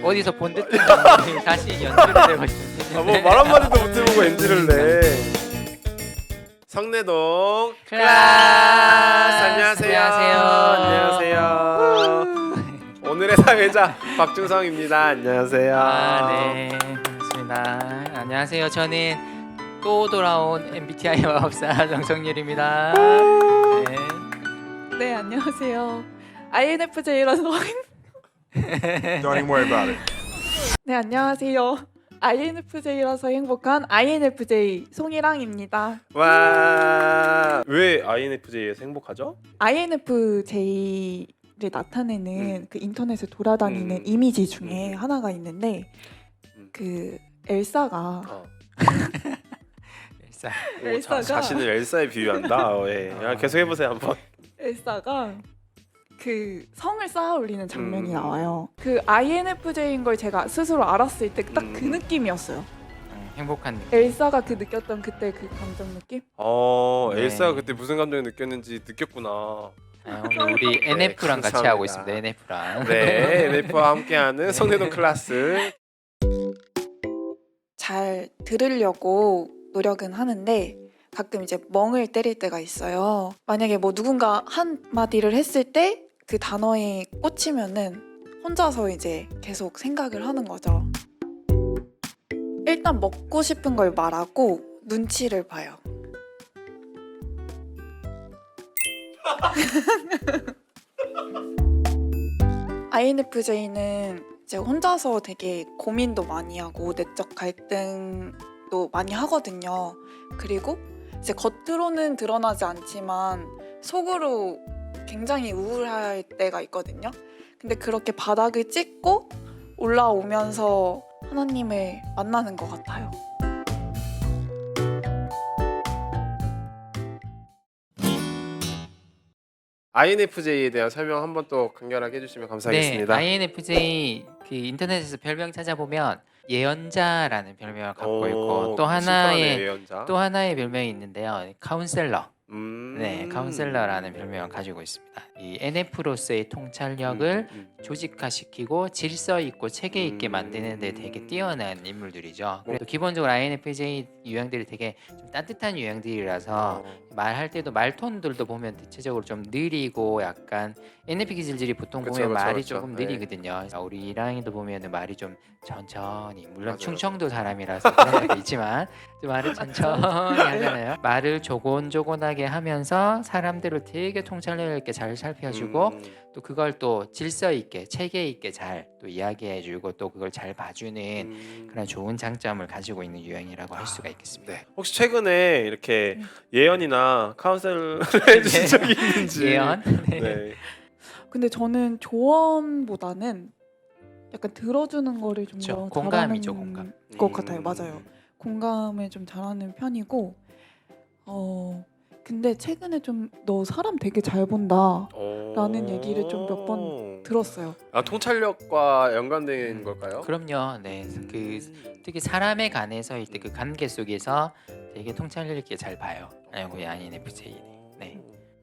어디서 본 듯한 다시 연주를 내고 있습니다. 뭐 말 한마디도 못 해보고 NG를 내. 성내동 클래스. 안녕하세요. 오늘의 사회자 박준성입니다. 안녕하세요. 네, 반갑습니다. 안녕하세요. 저는 또 돌아온 MBTI 마법사 정성률입니다. 네, 안녕하세요. INFJ라서 Don't even worry about it. 네, 안녕하세요. INFJ라서 행복한 INFJ 송이랑입니다. 와, 왜 INFJ에서 행복하죠? INFJ를 나타내는 그 인터넷에 돌아다니는 이미지 중에 하나가 있는데 그 엘사가 일상. 엘사가 자신을 엘사에 비유한다. 예. 야, 계속 해보세요 한번. 엘사가 그 성을 쌓아 올리는 장면이 나와요. 그 INFJ인 걸 제가 스스로 알았을 때 딱 그 느낌이었어요. 행복한 느낌. 엘사가 그 느꼈던 그때 그 감정 느낌? 네. 엘사가 그때 무슨 감정을 느꼈는지 느꼈구나. 오늘 우리 NF랑 같이 감사합니다. 하고 있습니다. NF랑. 네, NF와 함께하는 성내동 클래스. 잘 들으려고 노력은 하는데 가끔 이제 멍을 때릴 때가 있어요. 만약에 뭐 누군가 한 마디를 했을 때 그 단어에 꽂히면은 혼자서 이제 계속 생각을 하는 거죠. 일단 먹고 싶은 걸 말하고 눈치를 봐요. INFJ는 이제 혼자서 되게 고민도 많이 하고 내적 갈등도 많이 하거든요. 그리고 이제 겉으로는 드러나지 않지만 속으로 굉장히 우울할 때가 있거든요. 근데 그렇게 바닥을 찍고 올라오면서 하나님을 만나는 것 같아요. INFJ에 대한 설명 한번 또 간결하게 해주시면 감사하겠습니다. 네, INFJ 그 인터넷에서 별명 찾아보면 예언자라는 별명을 갖고 있고 또 하나의 예언자. 또 하나의 별명이 있는데요. 카운셀러. 음. 네, 카운셀러라는 별명을 가지고 있습니다. 이 NF로서의 통찰력을 조직화시키고 질서 있고 체계 있게 만드는 데 되게 뛰어난 인물들이죠. 그래도 기본적으로 INFJ 유형들이 되게 좀 따뜻한 유형들이라서 말할 때도 말톤들도 보면 대체적으로 좀 느리고 약간 NFP 기질들이 보통 그쵸, 보면 그쵸, 말이 그쵸. 조금 네. 느리거든요. 우리 이랑이도 보면 말이 좀 천천히 물론 맞아요. 충청도 사람이라서 그런 것도 있지만 좀 말을 천천히 하잖아요. 말을 조곤조곤하게 하면서 사람들을 되게 통찰력 있게 잘 살펴주고 또 그걸 또 질서 있게 체계 있게 잘 또 이야기해주고 또 그걸 잘 봐주는 그런 좋은 장점을 가지고 있는 유형이라고 할 수가 있겠습니다. 네. 혹시 최근에 이렇게 예언이나 카운셀을 해주신 적이 있는지? 예언? 네. 근데 저는 조언보다는 약간 들어주는 거를 좀 그쵸, 더 공감이죠, 잘하는 공감. 것 같아요. 맞아요. 공감을 좀 잘하는 편이고 근데 최근에 좀 너 사람 되게 잘 본다 라는 얘기를 좀 몇 번 들었어요. 아, 통찰력과 연관된 걸까요? 그럼요. 네, 그 특히 사람에 관해서일 때 그 관계 속에서 되게 통찰력 있게 잘 봐요. 우리 INFJ는. 네.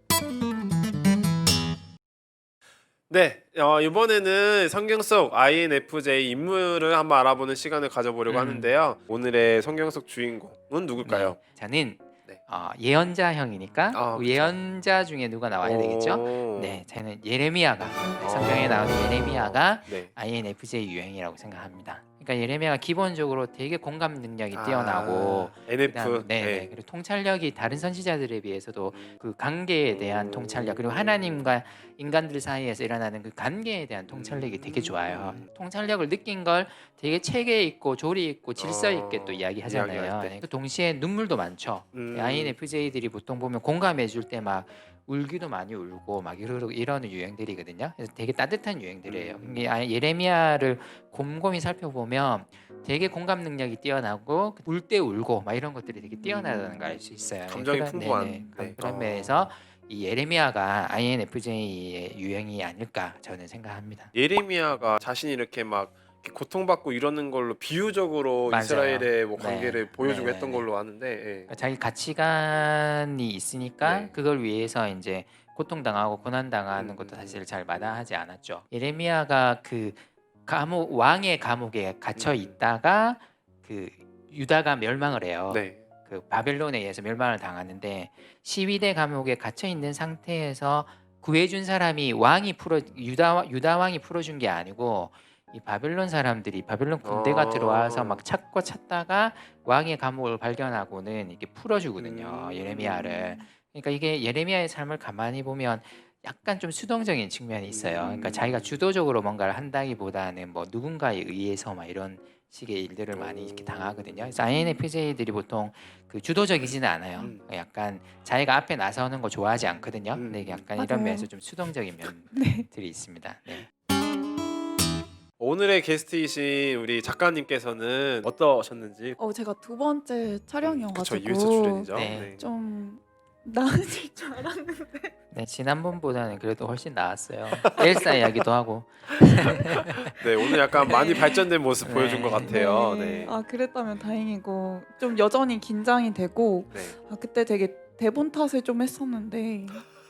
네, 이번에는 성경 속 INFJ 인물을 한번 알아보는 시간을 가져보려고 하는데요. 오늘의 성경 속 주인공은 누굴까요? 네, 저는 네. 예언자형이니까 그쵸. 예언자 중에 누가 나와야 되겠죠? 네, 저는 예레미야가 성경에 나오는 예레미야가 네. INFJ 유형이라고 생각합니다. 그러니까 예레미야가 기본적으로 되게 공감 능력이 뛰어나고 NF. 네. 그리고 통찰력이 다른 선지자들에 비해서도 그 관계에 대한 통찰력 그리고 하나님과 인간들 사이에서 일어나는 그 관계에 대한 통찰력이 되게 좋아요. 통찰력을 느낀 걸 되게 체계 있고 조리 있고 질서 있게 또 이야기하잖아요. 이야기할 때. 네. 그 동시에 눈물도 많죠. INFJ들이 보통 보면 공감해 줄 때 막 울기도 많이 울고 막 이러는 유형들이거든요. 그래서 되게 따뜻한 유형들이에요. 이게 예레미야를 곰곰이 살펴보면 되게 공감 능력이 뛰어나고 울 때 울고 막 이런 것들이 되게 뛰어나다는 걸 알 수 있어요. 감정이 풍부한. 네. 그런 면에서 이 예레미야가 INFJ의 유형이 아닐까 저는 생각합니다. 예레미야가 자신이 이렇게 막 이렇게 고통받고 이러는 걸로 비유적으로 맞아요. 이스라엘의 뭐 네. 관계를 보여주고 네, 했던 네. 걸로 아는데. 예. 그러니까 자기 가치관이 있으니까 네. 그걸 위해서 이제 고통당하고 고난당하는 것도 사실 잘 마다하지 않았죠. 예레미야가 그 감옥 왕의 감옥에 갇혀 있다가 그 유다가 멸망을 해요. 네. 그 바벨론에 의해서 멸망을 당하는데 시위대 감옥에 갇혀 있는 상태에서 구해준 사람이 유다 왕이 풀어준 게 아니고 이 바벨론 사람들이 바벨론 군대가 들어와서 막 찾고 찾다가 왕의 감옥을 발견하고는 이렇게 풀어주거든요. 예레미야를. 그러니까 이게 예레미야의 삶을 가만히 보면 약간 좀 수동적인 측면이 있어요. 그러니까 자기가 주도적으로 뭔가를 한다기보다는 뭐 누군가에 의해서 막 이런 식의 일들을 많이 이렇게 당하거든요. 그래서 INFJ들이 보통 그 주도적이지는 않아요. 약간 자기가 앞에 나서는 거 좋아하지 않거든요. 근데 약간 이런 맞아요. 면에서 좀 수동적인 네. 면들이 있습니다. 네. 오늘의 게스트이신 우리 작가님께서는 어떠셨는지. 제가 두 번째 그쵸, 촬영이어가지고 이회수 출연이죠. 네. 네. 좀 나아질 줄 알았는데 네, 지난번보다는 그래도 훨씬 나았어요. 엘사 이야기도 하고. 네, 오늘 약간 많이 발전된 모습 네. 보여준 것 같아요. 네. 그랬다면 다행이고 좀 여전히 긴장이 되고 네. 그때 되게 대본 탓을 좀 했었는데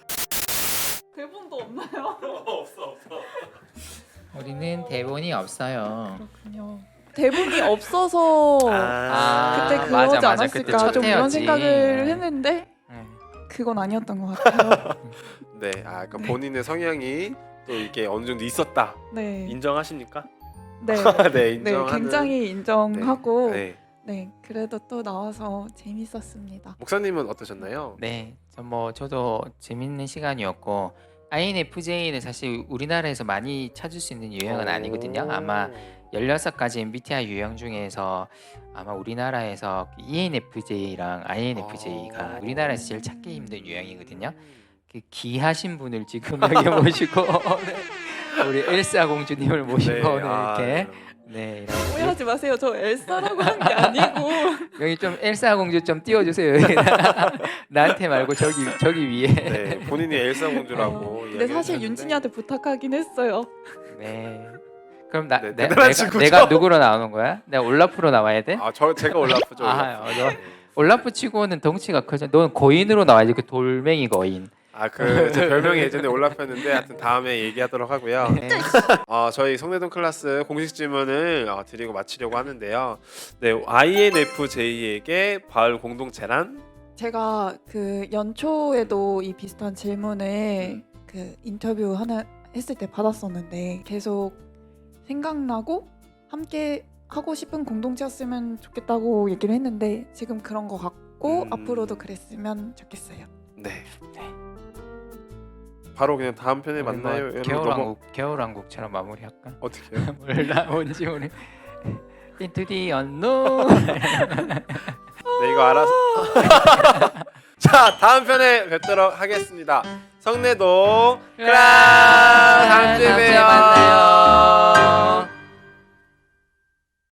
대본도 없나요? 없어. 우리는 대본이 없어요. 그렇군요. 대본이 없어서 그때 그러지 맞아. 그때 않았을까 첫 좀 이런 회였지. 생각을 했는데 그건 아니었던 것 같아요. 네, 그러니까 본인의 성향이 또 이게 어느 정도 있었다. 네, 인정하십니까? 네, 네, 네, 인정하는. 굉장히 인정하고 네. 네, 그래도 또 나와서 재밌었습니다. 목사님은 어떠셨나요? 네, 저도 재밌는 시간이었고 INFJ는 사실 우리나라에서 많이 찾을 수 있는 유형은 아니거든요. 아마 16가지 MBTI 유형 중에서 아마 우리나라에서 ENFJ랑 INFJ가 우리나라에서 제일 찾기 힘든 유형이거든요. 그 귀하신 분을 지금 여기 모시고 우리 엘사 공주님을 모시고 오늘 이렇게 네, 이렇게 오해하지 마세요. 저 엘사라고 한 게 아니고 여기 좀 엘사 공주 좀 띄워주세요. 여기다가. 나한테 말고 저기 위에. 네, 본인이 엘사 공주라고. 근데 사실 이야기하셨는데. 윤진이한테 부탁하긴 했어요. 네. 그럼 네, 대단한 친구죠. 내가 누구로 나오는 거야? 내가 올라프로 나와야 돼? 제가 올라프죠. 올라프. 너 올라프 치고는 덩치가 크죠. 너는 거인으로 나와야지. 그 돌멩이 거인. 제 별명이 예전에 올라프였는데 하여튼 다음에 얘기하도록 하고요. 네. 저희 성내동 클래스 공식 질문을 드리고 마치려고 하는데요. 네, INFJ에게 바울 공동체란? 제가 그 연초에도 이 비슷한 질문을 그 인터뷰 하나 했을 때 받았었는데 계속 생각나고 함께 하고 싶은 공동체였으면 좋겠다고 얘기를 했는데 지금 그런 것 같고 앞으로도 그랬으면 좋겠어요. 네. 바로 그냥 다음 편에 우리 만나요. 뭐 여러분, 겨울왕국처럼 마무리할까? 어떻게 해요? 몰라 뭔지 우리 Into the unknown. 네, 이거 알아서. 자, 다음 편에 뵙도록 하겠습니다. 성내동 클라스 다음 주에 봬요.